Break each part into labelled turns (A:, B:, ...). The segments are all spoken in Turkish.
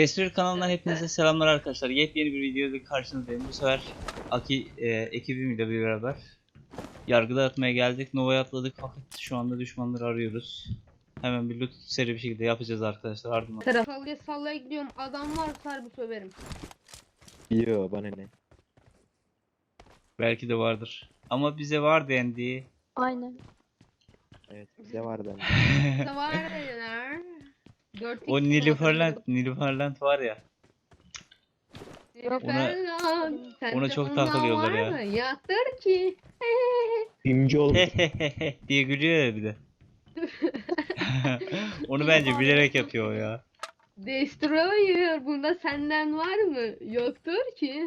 A: Destur kanalından hepinize selamlar arkadaşlar. Yepyeni bir videoda karşınızdayım. Bu sefer Aki ekibimle beraber yargı dağıtmaya geldik. Nova'ya atladık fakat şu anda düşmanları arıyoruz. Hemen bir loot seri bir şekilde yapacağız arkadaşlar. Ardından.
B: Sallaya sallaya gidiyorum. Adam varsa harbi söverim.
C: Yo bana ne?
A: Belki de vardır. Ama bize var dendi.
D: Aynen.
C: Evet bize vardı.
B: Ne var dediler. 4x
A: O Nilüferland var ya. Ona çok takılıyorlar ya.
B: Yaktır ki.
C: Bimci oldu.
A: diye gülüyor ya bir de. Onu bence bilerek yapıyor o ya.
B: Destroyer bunda senden var mı? Yoktur ki.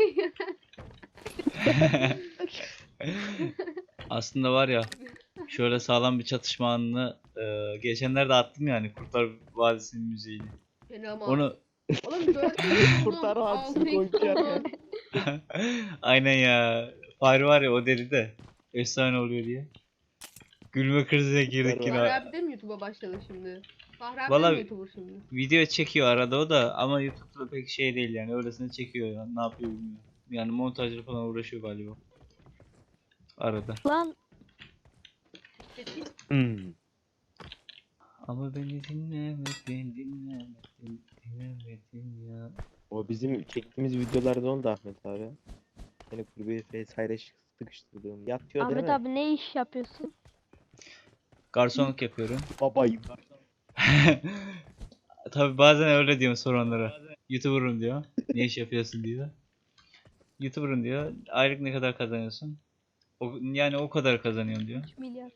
A: Aslında var ya, şöyle sağlam bir çatışma anını geçenlerde attım yani, Kurtlar Vadisi'nin müziğini.
B: Fena
A: Onu
B: Oğlum 4x
C: Kurtar Vadisi'ni koyacağım ya.
A: aynen ya. Fahri var ya, o deli de efsane oluyor diye. Gülme krizine girdik
C: Fahri
A: yine.
B: Fahri abi de mi YouTube'a başladı şimdi? Fahri abi de
A: Vallahi-
B: mi YouTuber şimdi?
A: Video çekiyor arada o da, ama YouTube'da pek şey değil yani, öylesine çekiyor ya. Ne yapıyor bilmiyorum. Yani montajla falan uğraşıyor galiba. Arada.
D: Lan
A: Ama beni dinlemedin ya.
C: O bizim çektiğimiz videolarda oldu Ahmet abi. Seni kulübeye vesaire sıkıştırdığım. Yatıyor değil
D: Ahmet
C: mi?
D: abi ne iş yapıyorsun?
A: Garsonluk yapıyorum.
C: Babayım.
A: Tabi bazen öyle diyorum soranlara. YouTuber'ım diyor. Ne iş yapıyorsun diyor. YouTuber'ım diyor. Aylık ne kadar kazanıyorsun? Yani o kadar kazanıyorum diyor.
D: 3 milyar.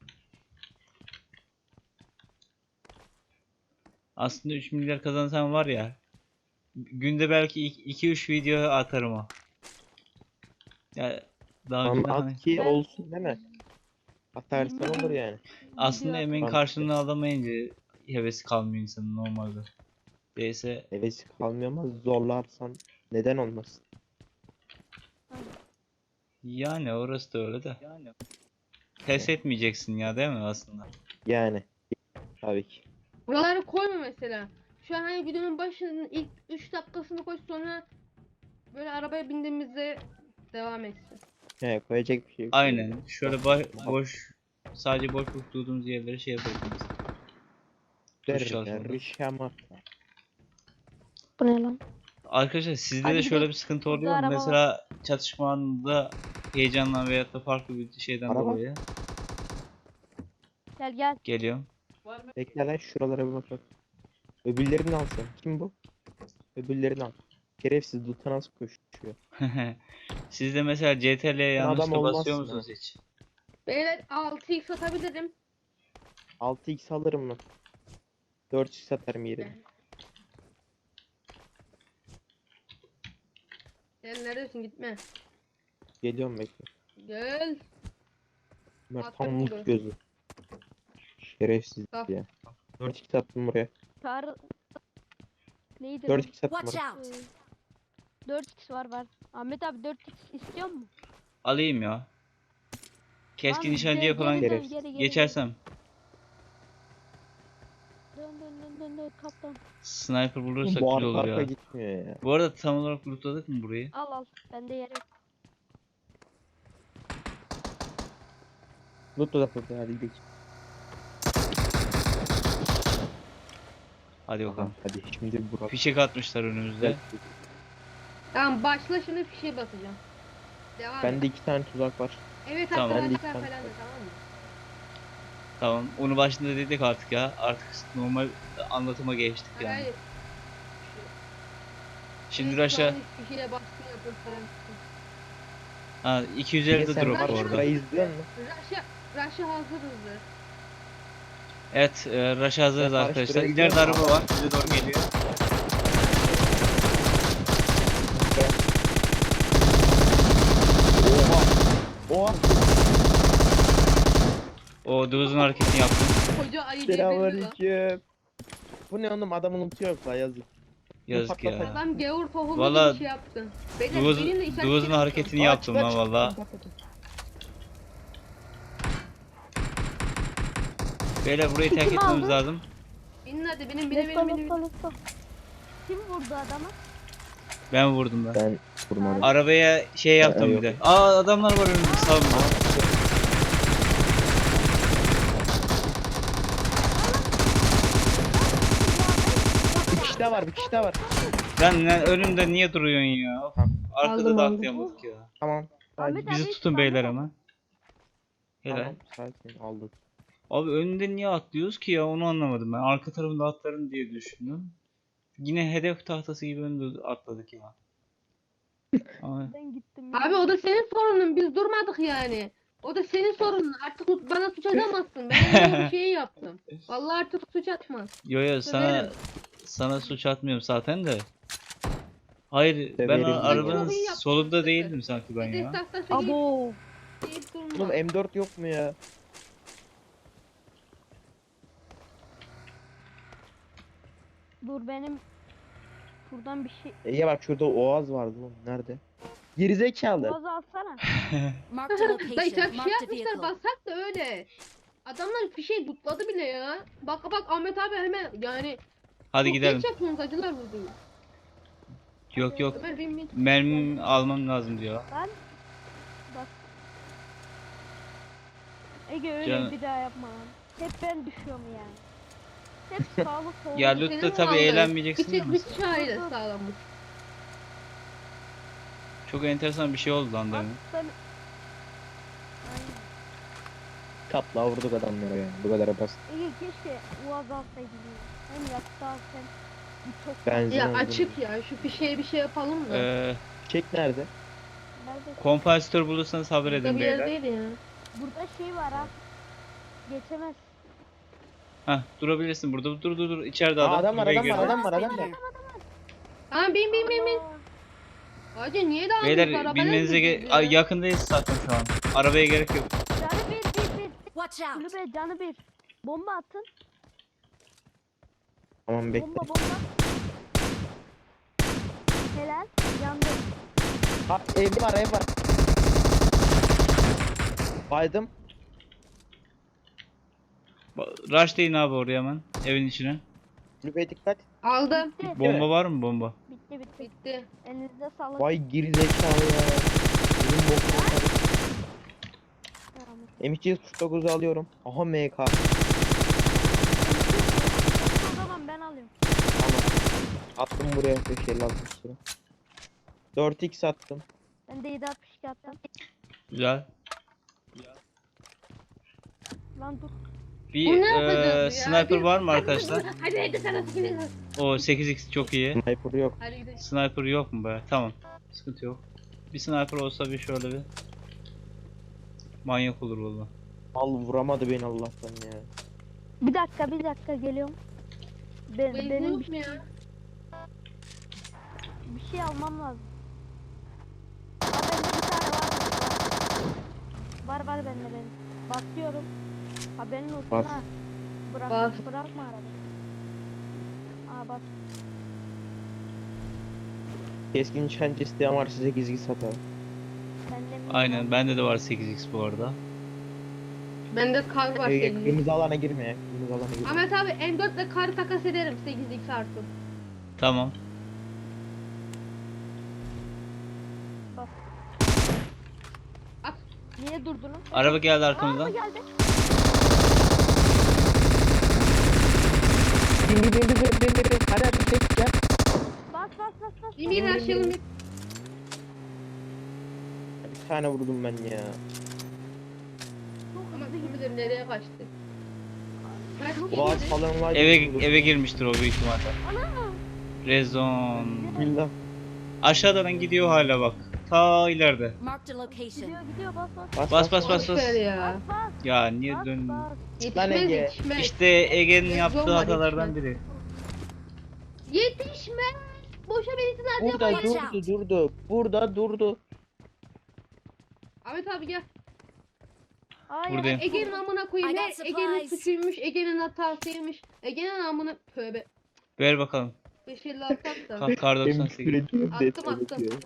A: Aslında 3 milyar kazansam var ya, günde belki 2-3 video atarım o. Ya daha
C: Tamam
A: önceden hani-
C: at ki olsun değil mi? Atarsan olur yani.
A: aslında
D: Video
A: emeğin
C: atarım.
A: karşılığını alamayınca hevesi kalmıyor insanın normalde. Değilse
C: Hevesi kalmıyor ama zorlarsan neden olmasın?
A: yani orası da öyle de. Pes etmeyeceksin ya, değil mi aslında?
C: Yani. Tabii ki.
B: Buraları koyma mesela. Şu an hani videonun başının ilk 3 dakikasını koy, sonra böyle arabaya bindiğimizde devam etsin.
C: He koyacak bir şey yok.
A: Aynen. Şöyle boş, sadece boş tuttuğumuz yerlere şey yapabiliriz. Tuş çalışmaları.
C: Rişamat.
D: Bu ne lan?
A: Arkadaşlar sizde
D: Hadi
A: de şöyle
D: gidelim.
A: bir sıkıntı
D: Burada
A: oluyor mu?
D: araba var.
A: Mesela çatışma anında heyecandan veyahut da farklı bir şeyden
C: Araba.
A: dolayı
D: Gel gel.
A: geliyorum.
C: Bekle lan şuralara bir bakalım. Öbürlerini al sen. Kim bu? Öbürlerini al. Şerefsiz Dut'a nasıl koşuyor?
A: Siz de mesela CTRL'ye
C: Sen adam
A: yanlışlıkla
C: olmazsın
A: basıyor
C: ha.
A: musunuz hiç?
B: Beyler 6x atabilirim.
C: 6x alırım mı? 4x atarım yerine.
B: Gel, neredesin, gitme.
C: Geliyorum bekle.
B: Gel.
C: Bunlar
B: Attım
C: tam
B: bunu.
C: mut gözü. Şerefsiz
B: Al.
C: ya. 4x attım buraya.
D: Çağrı. Neydi?
C: 4x attım
E: Watch
C: buraya.
E: out!
D: 4x var. Ahmet abi 4x istiyor mu?
A: Alayım ya. Keskin
D: Lan
A: nişancıya
D: geri
A: falan
D: dön,
C: Şerefsiz.
D: geri, geri,
A: geçersem
D: Dön dön dön dön dön kaptan.
A: sniper bulursak
C: Bu
A: güzel olur
C: arka
A: ya.
C: gitmiyor ya.
A: Bu arada tam olarak lootladık mı burayı?
D: Al al. Bende yer yok.
C: Mutlu da burada hadi gidelim.
A: Hadi bakalım.
C: Hadi şimdi Burak.
A: Fişek atmışlar önümüzde.
B: Tamam, başla şimdi, fişe basacağım. Devam et.
C: Bende 2 tane tuzak var.
B: Evet
A: Tamam.
B: arkadaşlar
C: Ben de-
B: falan da, tamam mı?
A: Tamam. Onu başında dedik artık ya. Artık normal anlatıma geçtik yani.
B: Hayır.
A: Şimdi
B: Evet,
A: Raş'a
B: şu an fişeye baskın yapıyor falan.
A: ha 250 de
C: Sen
A: drop
B: var
A: bu
B: ya.
A: arada.
C: şurayı izliyor musun?
B: Raş'a hazırız.
A: Evet, Raş'a hazırız
C: Ben
A: arkadaşlar.
C: karıştırarak
A: İleride
C: gidiyorum.
A: araba var. Bize doğru geliyor.
C: Oha!
A: O Duz'un hareketini yaptım.
B: Koca ayı devirdi lan.
C: Selamünaleyküm. Bu ne oğlum adamın ulti yok la yazık.
A: Yazık ya.
B: Adam gavur tohumu
A: Valla
B: gibi şey yaptı. Beyler,
A: Duz,
B: benim de işaret
A: Duz'un
B: çekiyorum.
A: hareketini yaptım lan valla. Beyler burayı terk
D: Kim
A: etmemiz
D: aldı?
A: lazım.
B: Binin hadi, benim.
D: Let's go let's go let's go. Kim vurdu adamı?
A: Ben vurdum ben.
C: Ben vurmadım.
A: Arabaya şey yaptım bir
C: yok.
A: de. Aa, adamlar var önümüzde sağımızda.
C: Bir kişi daha var, bir kişi daha var.
A: Lan önümde niye duruyorsun ya? Of, arkada
B: Aldım,
A: da
B: aldım.
A: atlayamadık ya.
C: Tamam.
D: Ahmet
C: Sakin.
D: abi,
A: Bizi tutun beyler ama. Helal.
C: Tamam, sakin aldık.
A: Abi önünde niye atlıyoruz ki ya, onu anlamadım ben. Arka tarafında atlarım diye düşündüm. Yine hedef tahtası gibi önünde atladık ya. Ama
D: Ben gittim.
B: Abi o da senin sorunun. Biz durmadık yani. O da senin sorunun. Artık bana suç atamazsın. Ben öyle bir şey yaptım. Vallahi artık suç atma.
A: yo sana
B: Söverim.
A: suç atmıyorum zaten de. Hayır, ben
C: Severim
A: arabanın
B: Çok iyi yaptın.
A: solunda değildim sanki ben
B: Hedef
A: ya.
B: tahtası
D: Abo.
B: deyip durma.
C: Oğlum M4 yok mu ya?
D: Dur benim buradan bir şey.
C: Ege bak şurada Oğaz vardı oğlum. Nerede? Gerizekalı.
D: Boğazı alsana.
E: Marked a
B: Dayı
E: location.
B: sen şey
E: Marked a
B: yapmışlar
E: vehicle.
B: bassak da öyle. Adamlar bir şey tutladı bile ya. Bak bak Ahmet abi hemen yani.
A: Hadi
B: çok
A: gidelim.
B: geç yapıyorsunuz acılar vurdu.
A: Yok yok.
B: Ömer bin.
A: Mermi almam lazım diyor.
D: Ben bak. Ege öyle
A: Canım.
D: bir daha yapma lan. Hep ben düşüyorum yani. Hep sağlık soluk.
A: Ya
B: Senin
A: Lütfü tabi
B: vallahi
A: eğlenmeyeceksin
B: Bir
A: ya.
B: tek bir şair sağlamış.
A: Çok enteresan bir şey oldu lan
D: Bak
A: demin.
D: ben... Aynen.
C: Kapla vurduk adamlara ya. Bu kadar basit.
D: Ege keşke Uaz alsaydın ya. Hem yakıt al hem bu çok
C: Benzin
B: Ya
C: aldım.
B: açık ya şu fişeye bir şey yapalım mı?
C: Çek nerede?
D: Nerede?
A: Kompansatör bulursanız haber
B: Burada
A: edin
B: bir
A: beyler.
B: yerdeydi ya.
D: Burada şey var ha. Geçemez.
A: Hah, durabilirsin burada. Dur. İçeride
C: Aa,
A: adam.
C: adam var,
A: Buraya
C: adam var,
A: girdi.
C: adam var, adam var.
B: Tamam bin.
D: Aa,
B: Hacı niye dağılıyorsun?
A: Beyler
B: Arabayla
A: binmenize
B: gidiyoruz ya.
A: Ay, yakındayız zaten şu an. Arabaya gerek yok.
D: Canı bir.
E: Watch out.
D: Kulübe canı bir. Bomba atın.
C: Tamam bekle.
D: Bomba. Helal. Yandı.
C: Ha, ev var. Baydım.
A: Rush deyin abi oraya hemen. Evin içine.
C: Kulübeye dikkat.
B: Aldım.
D: Bitti.
A: Bomba var mı bomba?
D: Bitti.
B: Bitti.
D: Elinizde sağlık.
C: Vay gerizekalı ya. Benim bokuma karıştı.
D: Tamam.
C: M249'u alıyorum. Aha MK.
D: O zaman ben alıyorum.
C: Tamam. Attım buraya 556 lira. 4x attım.
D: Ben de 762 attım.
A: Güzel.
D: Lan dur.
B: Bu
A: Bir
B: ne yapacağız ya?
A: sniper var mı arkadaşlar?
B: Hadi sana sikiniz.
A: O 8x çok iyi.
C: Sniper yok.
B: Hadi gidelim.
A: Sniper yok mu be? Tamam. Sıkıntı yok. Bir sniper olsa bir şöyle bir manyak olur valla.
C: Al vuramadı beni Allah'tan ya.
D: Bir dakika geliyorum.
B: Benzin
D: Benim
B: yok mu ya?
D: bir şey almam lazım. Aa, bende bir tane var. Var bende benim. Basıyorum. Haberin olsun
C: Bas.
D: ha.
B: Bas.
D: Bırakma arabayı. Aa bas.
C: Keskin nişancı isteyen var size gizli satar.
D: Bende mi?
A: Aynen, bende de var 8x bu arada.
B: Bende kar var senin.
C: Kırmızı alana girme ya. Kırmızı alana girme.
B: Ahmet abi M4 ile kar takas ederim 8x artı.
A: Tamam.
D: Bas.
B: At.
D: Niye durdunuz?
A: Araba geldi
D: Aa,
A: arkamızdan.
D: geldi.
C: Bin. Hadi çek gel.
D: Bas.
B: Yemin her şey olmuyor.
C: Bir tane vurdum ben ya.
D: Çok
B: Ama
D: hızlı
B: kim bilir nereye kaçtı. Kaç
C: Boğaz
B: kişiydi?
C: falan var.
A: Eve girmiştir o büyük ihtimalle. Rezon.
C: Bismillah.
A: Aşağıdan gidiyor hala bak. Ta ileride.
E: Marked a location.
D: gidiyor bas.
A: Bas.
B: Boş ver ya.
D: Bas.
A: Ya niye
D: Bas.
A: dön?
B: Yetişmez
C: Ege.
B: yetişmez.
A: İşte Ege'nin
B: Rezon
A: yaptığı
B: var,
A: hatalardan
B: yetişmez.
A: biri.
B: Yetişmez. Boşa benzin
C: Burada
B: harcamayın.
C: durdu. Burada durdu.
B: Ahmet abi gel.
D: Hayır.
A: Buradayım.
B: Ege'nin amına koyayım.
E: I got
B: Ne Ege'nin
E: supplies.
B: suçuymuş, Ege'nin hatasıymış. Ege'nin amına tövbe.
A: Ver bakalım.
B: 556 at da.
A: Kar 98.
B: Attım.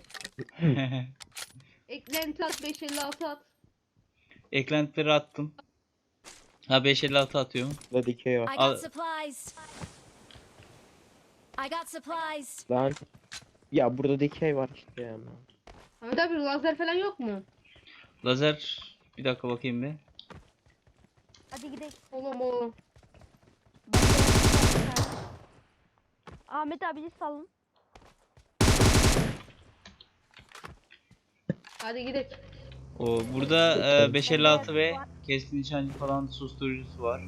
B: Eklenti at 556 at.
A: Eklentileri attım. Ha 556 atıyorum.
C: Burada dikey var.
E: I
A: Al-
E: got supplies. I got supplies.
C: Lan. Ya burada dikey var işte ya.
B: Ahmet abi lazer falan yok mu?
A: Lazer. Bir dakika bakayım bir.
D: Hadi gidelim.
B: Oğlum.
D: Ben de yapacağım. Ahmet abi salın.
B: Hadi gidelim.
A: O burada 556 ve keskin nişancı falan susturucusu var.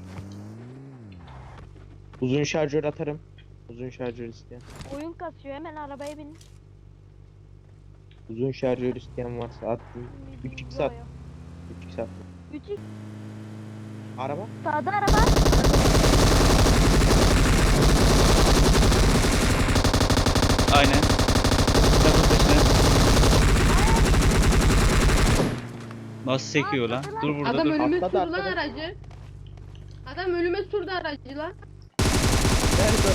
C: Uzun şarjör atarım. Uzun şarjör isteyen.
D: Oyun kasıyor, hemen arabaya bin.
C: Uzun şarjör isteyen varsa attım. 3x at. 3x at.
D: 3x
C: Araba.
D: sağda araba.
A: Aynen. Takıl peşine. Nasıl sekiyor lan? Dur burada
B: Adam
A: dur.
B: önüme
C: Atladı,
B: sürdü lan
C: atladı.
B: aracı. Adam önüme sürdü aracı lan.
C: Nerede?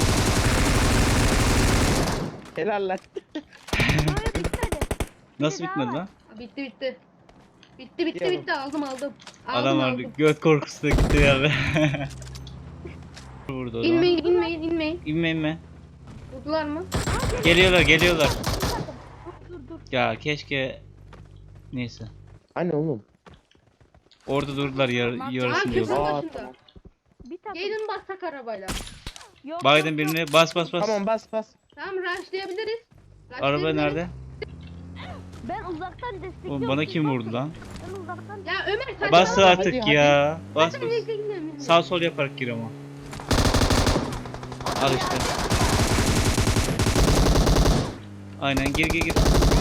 C: Helal lan.
D: Böyle bitmedi.
A: Nasıl
D: daha
A: bitmedi
D: var.
A: lan?
B: Bitti bitti. Bitti
C: Diyorum.
B: bitti aldım.
A: Adam var
B: Aldım.
A: göt korkusuna gitti ya be. Burada o zaman.
B: İnmeyin.
A: İnme.
B: Vurdular mı?
A: Geliyorlar.
D: Dur.
A: Ya keşke neyse.
C: Hani oğlum?
A: Orada durdular yarısını
B: Aa,
A: diyorlar.
B: köprü
C: Aa,
B: başında.
C: tamam.
D: Bir takım.
B: Gelin bassak arabayla.
D: Yok,
A: Biden
D: yok, yok.
A: birini bas.
C: Tamam bas.
B: Tamam rushlayabiliriz.
A: Araba nerede?
D: Ben uzaktan destekliyorum.
A: Oğlum bana
D: siz
A: kim
D: basın.
A: vurdu lan?
D: Ben uzaktan
B: Ya Ömer saçmalama.
A: Bas
C: hadi,
A: artık
C: hadi.
A: ya. Bas.
B: Hadi bekle, gidelim.
A: Sağ sol yaparak gir ama. Al işte. Aynen gir.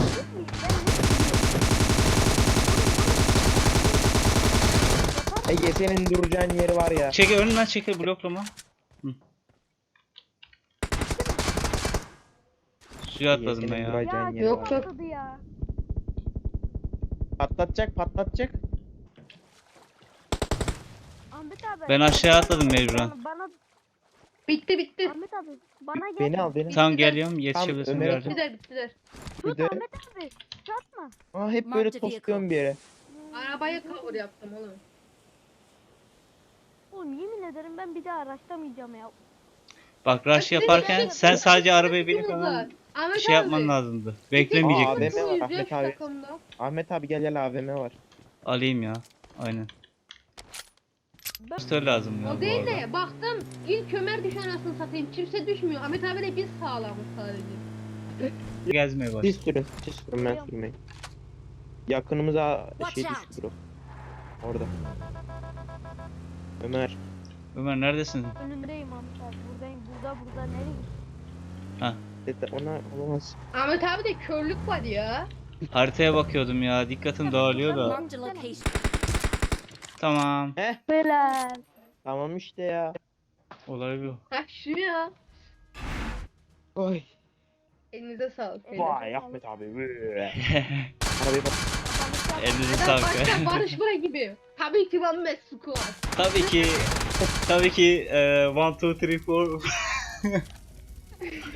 C: Ege senin duracağın yeri var ya.
A: Çekil önünden çekil bloklama. Hı. Suya atladım ben
C: senin
A: ya.
C: duracağın
D: Ya
C: yeri
B: yok,
C: var.
B: yok.
D: patladı ya.
C: Patlatacak.
D: Ahmet abi.
A: Ben aşağı atladım mecburen.
D: Bana
B: Bitti.
D: Ahmet abi bana gel.
C: Beni al beni.
A: Tamam geliyorum yetişebilirsin
C: Ömer'e
A: bir yerde.
B: Bittiler.
C: Bir
D: Tut
C: de.
D: Ahmet abi. Satma.
C: Aa hep böyle tosluyorum bir yere.
B: Arabaya cover yaptım oğlum.
D: Oğlum yemin ederim ben bir daha araçlamayacağım ya.
A: Bak rush yaparken sen sadece arabaya binip
B: Takımımız var.
A: hemen
B: Ahmet
A: şey
B: abi.
A: yapman lazımdı.
C: Aa,
A: Beklemeyecektin.
C: AVM var,
B: Takımımız
C: Ahmet
B: yok şu
C: abi.
B: takımda.
C: Ahmet abi gel AVM var.
A: Alayım ya. Aynen.
D: Ben
A: Pistol lazım ya
B: O
A: bu
B: değil
A: arada.
B: de baktım ilk Ömer düşüyor anasını satayım. Kimse düşmüyor. Ahmet abiyle biz sağlamız sadece.
A: Gezmeye baş.
C: Siz sürün ben sürmeyin. Yakınımıza şey
E: Watch out.
C: düştü bro. Orada. Ömer.
A: Ömer neredesin?
D: önündeyim Ahmet abi. Buradayım. Burada nereye?
C: Ona olamaz.
B: Ahmet abi de körlük var ya.
A: Haritaya bakıyordum ya. Dikkatim dağılıyor da.
E: Marked a location.
A: Tamam.
D: Beyler.
C: Tamam işte ya.
A: Olay bu.
B: Ha şu ya.
C: Oy.
B: Elinize sağlık. beyler.
C: Vay Ahmet abi. Arabayı bak.
A: Elinize
B: Adam
A: sağlık.
B: başta barışma gibi. Tabii ki Van Mesut var.
A: Tabii ki 1, 2, 3, 4